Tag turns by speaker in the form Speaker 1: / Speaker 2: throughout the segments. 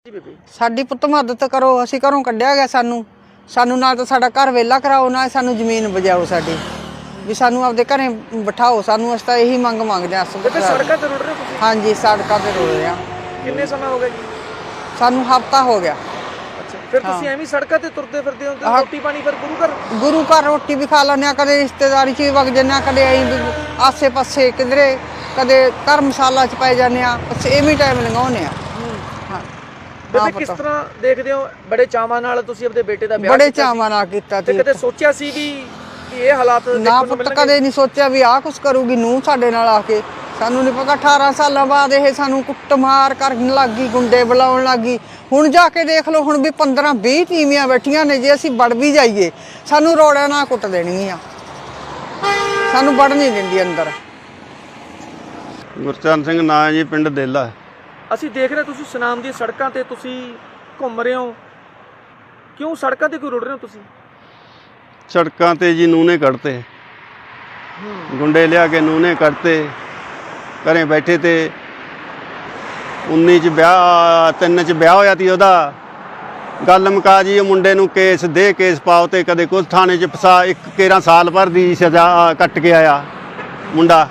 Speaker 1: ਸਾਡੀ ਪੁੱਤ ਮਦਦ ਕਰੋ, ਅਸੀਂ ਘਰੋਂ ਕੱਢਿਆ ਗਿਆ ਸਾਨੂੰ ਨਾ ਤਾਂ ਸਾਡਾ ਘਰ ਵੇਲਾ ਕਰਾਓ, ਨਾ ਸਾਨੂੰ ਜ਼ਮੀਨ ਬਜਾਓ ਸਾਡੀ, ਵੀ ਸਾਨੂੰ ਆਪਦੇ ਘਰੇ ਬਿਠਾਓ। ਸਾਨੂੰ ਅਸੀਂ ਤਾਂ ਇਹੀ ਮੰਗ ਮੰਗਦੇ ਹਾਂ।
Speaker 2: ਸੜਕਾਂ ਤੇ ਰੁੜ ਰਹੇ ਤੁਸੀਂ?
Speaker 1: ਹਾਂਜੀ, ਸੜਕਾਂ ਤੇ ਰੁੜ ਰਹੇ ਹਾਂ।
Speaker 2: ਕਿੰਨੇ ਸਮਾਂ ਹੋ ਗਿਆ ਜੀ?
Speaker 1: ਸਾਨੂੰ ਹਫ਼ਤਾ ਹੋ ਗਿਆ।
Speaker 2: ਅੱਛਾ, ਫਿਰ ਤੁਸੀਂ ਐਵੇਂ ਸੜਕਾਂ ਤੇ ਤੁਰਦੇ ਫਿਰਦੇ ਹੋ? ਰੋਟੀ ਪਾਣੀ ਫਿਰ ਗੁਰੂ ਘਰ
Speaker 1: ਰੋਟੀ ਵੀ ਖਾ ਲੈਂਦੇ ਹਾਂ, ਕਦੇ ਰਿਸ਼ਤੇਦਾਰੀ 'ਚ ਵੀ ਵਗ ਜਾਂਦੇ ਹਾਂ, ਕਦੇ ਆਸੇ ਪਾਸੇ ਕਿਧਰੇ, ਕਦੇ ਧਰਮਸ਼ਾਲਾ 'ਚ ਪੈ ਜਾਂਦੇ ਹਾਂ, ਬਸ ਐਵੇਂ ਟਾਈਮ ਲੰਘਾਉਂਦੇ ਹਾਂ।
Speaker 2: ਬੇਬੇ ਕਿਸ ਤਰ੍ਹਾਂ ਦੇਖਦੇ ਹੋ? ਬੜੇ ਚਾਵਾਂ ਨਾਲ ਤੁਸੀਂ ਆਪਣੇ ਬੇਟੇ ਦਾ ਵਿਆਹ
Speaker 1: ਬੜੇ ਚਾਵਾਂ ਨਾਲ ਕੀਤਾ ਸੀ।
Speaker 2: ਕਦੇ ਸੋਚਿਆ ਸੀ ਵੀ ਇਹ ਹਾਲਾਤ
Speaker 1: ਨਾ ਪੁੱਤ, ਕਦੇ ਨਹੀਂ ਸੋਚਿਆ ਵੀ ਆਹ ਕੁਛ ਕਰੂਗੀ ਨੂੰਹ ਸਾਡੇ ਨਾਲ ਆ ਕੇ। ਸਾਨੂੰ ਨਹੀਂ ਪਤਾ 18 ਸਾਲਾਂ ਬਾਅਦ ਇਹ ਸਾਨੂੰ ਕੁੱਟਮਾਰ ਕਰਨ ਲੱਗ ਗਈ, ਗੁੰਡੇ ਬੁਲਾਉਣ ਲੱਗ ਗਈ। ਹੁਣ ਜਾ ਕੇ ਦੇਖ ਲਓ, ਹੁਣ ਵੀ 15-20 ਟੀਵੀਆਂ ਬੈਠੀਆਂ ਨੇ, ਜੇ ਅਸੀਂ ਵੜ ਵੀ ਜਾਈਏ ਸਾਨੂੰ ਰੋੜਿਆਂ ਨਾਲ ਕੁੱਟ ਦੇਣਗੀਆਂ, ਸਾਨੂੰ ਵੜ ਨਹੀਂ ਦਿੰਦੀ ਅੰਦਰ।
Speaker 3: ਗੁਰਚਰਨ ਸਿੰਘ ਨਾਂ ਜੀ, ਪਿੰਡ ਦੇਲਾ।
Speaker 2: ਅਸੀਂ ਦੇਖ ਰਹੇ ਤੁਸੀਂ ਸੁਨਾਮ ਦੀ ਸੜਕਾਂ ਤੇ ਤੁਸੀਂ ਘੁੰਮ ਰਹੇ ਹੋ, ਕਿਉਂ ਸੜਕਾਂ ਤੇ ਕਿਉਂ ਰੁੜ ਰਹੇ ਹੋ ਤੁਸੀਂ?
Speaker 3: ਸੜਕਾਂ ਤੇ ਜੀ ਨੂਨੇ ਕੱਢਤੇ, ਗੁੰਡੇ ਲਿਆ ਕੇ ਨੂਨੇ ਕੱਢਤੇ। ਘਰੇ ਬੈਠੇ ਤੇ 19 ਚ ਵਿਆਹ, 3 ਚ ਵਿਆਹ ਹੋਇਆ ਤੀ ਉਹਦਾ। ਗੱਲ ਮੁਕਾ ਜੀ, ਉਹ ਮੁੰਡੇ ਨੂੰ ਕੇਸ ਪਾਓ ਤੇ ਕਦੇ ਕੁਝ ਥਾਣੇ 'ਚ ਫਸਾ। 11 ਸਾਲ ਭਰ ਦੀ ਸਜ਼ਾ ਕੱਟ ਕੇ ਆਇਆ ਮੁੰਡਾ।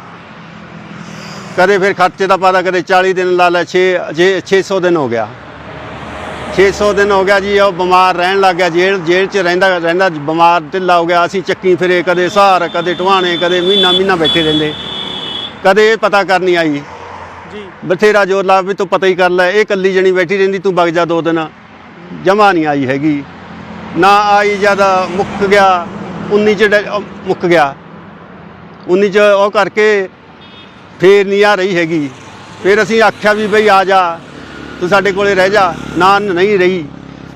Speaker 3: ਕਦੇ ਫਿਰ ਖਰਚੇ ਦਾ ਪਤਾ, ਕਦੇ 40 ਦਿਨ ਲਾ ਲੈ, 600 ਦਿਨ ਹੋ ਗਿਆ। 600 ਦਿਨ ਹੋ ਗਿਆ ਜੀ। ਉਹ ਬਿਮਾਰ ਰਹਿਣ ਲੱਗ ਗਿਆ, ਜੇਲ੍ਹ 'ਚ ਰਹਿੰਦਾ ਬਿਮਾਰ ਢਿੱਲਾ ਹੋ ਗਿਆ। ਅਸੀਂ ਚੱਕੀ ਫਿਰੇ, ਕਦੇ ਸਹਾਰ, ਕਦੇ ਟਵਾਣੇ, ਕਦੇ ਮਹੀਨਾ ਬੈਠੇ ਰਹਿੰਦੇ। ਕਦੇ ਇਹ ਪਤਾ ਕਰਨੀ ਆਈ
Speaker 2: ਜੀ,
Speaker 3: ਬਥੇਰਾ ਜ਼ੋਰ ਲਾ ਵੀ ਤੂੰ ਪਤਾ ਹੀ ਕਰ ਲੈ, ਇਹ ਇਕੱਲੀ ਜਣੀ ਬੈਠੀ ਰਹਿੰਦੀ, ਤੂੰ ਵਗ ਜਾ 2 ਦਿਨ। ਜਮ੍ਹਾਂ ਨਹੀਂ ਆਈ ਹੈਗੀ, ਨਾ ਆਈ। ਜਦ ਮੁੱਕ ਗਿਆ 19 ਚ ਮੁੱਕ ਗਿਆ, 19 ਚ ਉਹ ਕਰਕੇ ਫੇਰ ਨਹੀਂ ਆ ਰਹੀ ਹੈਗੀ। ਫਿਰ ਅਸੀਂ ਆਖਿਆ ਵੀ ਬਈ ਆ ਜਾ, ਤੂੰ ਸਾਡੇ ਕੋਲੇ ਰਹਿ ਜਾ। ਨਾ, ਨਹੀਂ ਰਹੀ।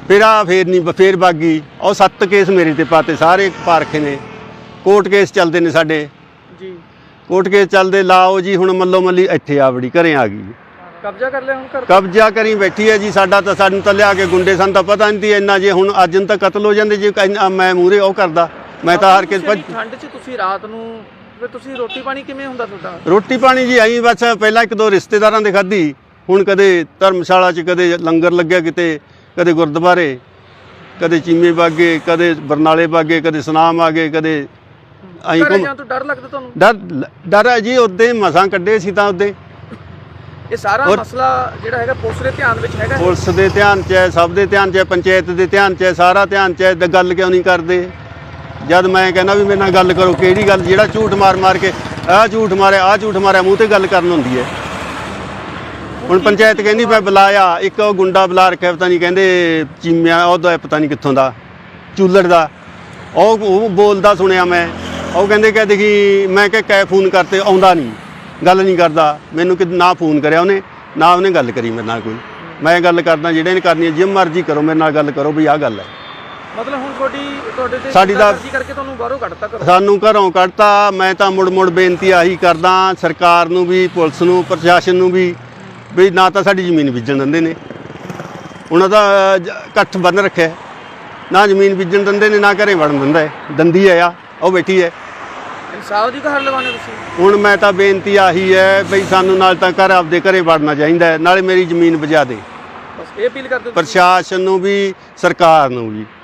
Speaker 3: ਫੇਰ ਵਗ ਗਈ। ਉਹ 7 ਕੇਸ ਮੇਰੇ ਤੇ ਪਾਤੇ, ਸਾਰੇ ਪਾਰਖੇ ਨੇ। ਕੋਰਟ ਕੇਸ ਚੱਲਦੇ ਨੇ ਸਾਡੇ
Speaker 2: ਜੀ,
Speaker 3: ਕੋਰਟ ਕੇਸ ਚੱਲਦੇ। ਲਾਓ ਜੀ, ਹੁਣ ਮੱਲੋ ਮੱਲੀ ਇੱਥੇ ਆ ਵੜੀ, ਘਰੇ ਆ ਗਈ।
Speaker 2: ਕਬਜ਼ਾ ਕਰ ਲਿਆ ਹੁਣ ਘਰ?
Speaker 3: ਕਬਜ਼ਾ ਕਰੀ ਬੈਠੀ ਹੈ ਜੀ। ਸਾਨੂੰ ਤਾਂ ਲਿਆ ਕੇ ਗੁੰਡੇ, ਸਾਨੂੰ ਤਾਂ ਪਤਾ ਨਹੀਂ ਸੀ ਇੰਨਾ। ਜੇ ਹੁਣ ਅੱਜ ਨੂੰ ਤਾਂ ਕਤਲ ਹੋ ਜਾਂਦੇ ਜੇ ਮੈਂ ਮੂਹਰੇ ਉਹ ਕਰਦਾ। ਮੈਂ ਤਾਂ ਹਾਰ ਕੇ
Speaker 2: ਠੰਡ 'ਚ ਤੁਸੀਂ ਰਾਤ ਨੂੰ ਫਿਰ ਤੁਸੀਂ ਰੋਟੀ ਪਾਣੀ ਕਿਵੇਂ ਹੁੰਦਾ ਤੁਹਾਡਾ?
Speaker 3: ਰੋਟੀ ਪਾਣੀ ਜੀ ਆਈ ਬਸ ਪਹਿਲਾਂ 1-2 ਰਿਸ਼ਤੇਦਾਰਾਂ ਦੇ ਖਾਧੀ। ਹੁਣ ਕਦੇ ਧਰਮਸ਼ਾਲਾ 'ਚ, ਕਦੇ ਲੰਗਰ ਲੱਗਿਆ ਕਿਤੇ, ਕਦੇ ਗੁਰਦੁਆਰੇ, ਕਦੇ ਚੀਮੇ ਬਾਗੇ, ਕਦੇ ਬਰਨਾਲੇ ਬਾਗੇ, ਕਦੇ ਸੁਨਾਮ ਆ ਗਏ, ਕਦੇ ਆਈ।
Speaker 2: ਘਰੇ ਜਾਣ ਤੋਂ ਡਰ ਲੱਗਦਾ ਤੁਹਾਨੂੰ?
Speaker 3: ਡਰ ਹੈ ਜੀ। ਉੱਦੇ ਮਸਾਂ ਕੱਢੇ ਸੀ ਤਾਂ ਉੱਦੇ।
Speaker 2: ਇਹ ਸਾਰਾ ਮਸਲਾ ਜਿਹੜਾ ਹੈਗਾ ਪੁਲਿਸ ਦੇ ਧਿਆਨ ਵਿੱਚ ਹੈਗਾ?
Speaker 3: ਪੁਲਿਸ ਦੇ ਧਿਆਨ 'ਚ ਹੈ, ਸਭ ਦੇ ਧਿਆਨ 'ਚ ਹੈ, ਪੰਚਾਇਤ ਦੇ ਧਿਆਨ 'ਚ ਹੈ, ਸਾਰਾ ਧਿਆਨ 'ਚ ਹੈ। ਗੱਲ ਕਿਉਂ ਨਹੀਂ ਕਰਦੇ? ਜਦ ਮੈਂ ਕਹਿੰਦਾ ਵੀ ਮੇਰੇ ਨਾਲ ਗੱਲ ਕਰੋ, ਕਿਹੜੀ ਗੱਲ? ਜਿਹੜਾ ਝੂਠ ਮਾਰ ਕੇ ਆਹ ਝੂਠ ਮਾਰਿਆ ਮੂੰਹ ਤੇ ਗੱਲ ਕਰਨ ਹੁੰਦੀ ਹੈ। ਹੁਣ ਪੰਚਾਇਤ ਕਹਿੰਦੀ ਮੈਂ ਬੁਲਾਇਆ, ਇੱਕ ਉਹ ਗੁੰਡਾ ਬੁਲਾ ਰੱਖਿਆ, ਪਤਾ ਨਹੀਂ ਕਹਿੰਦੇ ਚੀਮਿਆ ਉਹਦਾ, ਪਤਾ ਨਹੀਂ ਕਿੱਥੋਂ ਦਾ, ਚੂਲੜ ਦਾ। ਉਹ ਬੋਲਦਾ ਸੁਣਿਆ ਮੈਂ। ਉਹ ਕਹਿੰਦੇ ਕਿ ਦੇਖੀ, ਮੈਂ ਕਿ ਕੈ ਫੋਨ ਕਰਤੇ, ਆਉਂਦਾ ਨਹੀਂ, ਗੱਲ ਨਹੀਂ ਕਰਦਾ। ਮੈਨੂੰ ਨਾ ਫੋਨ ਕਰਿਆ ਉਹਨੇ, ਨਾ ਉਹਨੇ ਗੱਲ ਕਰੀ ਮੇਰੇ ਨਾਲ ਕੋਈ। ਮੈਂ ਗੱਲ ਕਰਦਾ, ਜਿਹੜੇ ਨੇ ਕਰਨੀ ਹੈ ਜਿਵੇਂ ਮਰਜ਼ੀ ਕਰੋ, ਮੇਰੇ ਨਾਲ ਗੱਲ ਕਰੋ ਵੀ ਆਹ ਗੱਲ ਹੈ।
Speaker 2: ਮਤਲਬ ਹੁਣ ਤੁਹਾਡੇ ਤੇ
Speaker 3: ਸਾਡੀ ਦਾ
Speaker 2: ਕਰਕੇ ਤੁਹਾਨੂੰ ਬਾਹਰੋਂ ਕੱਢਤਾ ਕਰੋ? ਸਾਨੂੰ
Speaker 3: ਘਰੋਂ ਕੱਢਤਾ। ਮੈਂ ਤਾਂ ਮੁੜ ਬੇਨਤੀ ਆਹੀ ਕਰਦਾ ਸਰਕਾਰ ਨੂੰ ਵੀ, ਪੁਲਿਸ ਨੂੰ, ਪ੍ਰਸ਼ਾਸਨ ਨੂੰ ਵੀ ਨਾ ਤਾਂ ਸਾਡੀ ਜ਼ਮੀਨ ਬੀਜਣ ਦਿੰਦੇ ਨੇ, ਉਹਨਾਂ ਦਾ ਇਕੱਠ ਬੰਨ ਰੱਖਿਆ। ਨਾ ਜ਼ਮੀਨ ਬੀਜਣ ਦਿੰਦੇ ਨੇ, ਨਾ ਘਰੇ ਵੜਨ ਦਿੰਦੀ ਹੈ। ਉਹ ਬੈਠੀ ਹੈ।
Speaker 2: ਇਨਸਾਫ ਦੀ ਗੁਹਾਰ ਲਗਾਉਣੇ ਤੁਸੀਂ? ਹੁਣ
Speaker 3: ਮੈਂ ਤਾਂ ਬੇਨਤੀ ਆਹੀ ਹੈ ਬਈ ਸਾਨੂੰ ਨਾਲ ਤਾਂ ਆਪਦੇ ਘਰੇ ਵੜਨਾ ਚਾਹੀਦਾ, ਨਾਲੇ ਮੇਰੀ ਜ਼ਮੀਨ ਬਜਾ ਦੇ।
Speaker 2: ਬਸ ਇਹ ਅਪੀਲ ਕਰਦੇ
Speaker 3: ਪ੍ਰਸ਼ਾਸਨ ਨੂੰ ਵੀ, ਸਰਕਾਰ ਨੂੰ ਵੀ।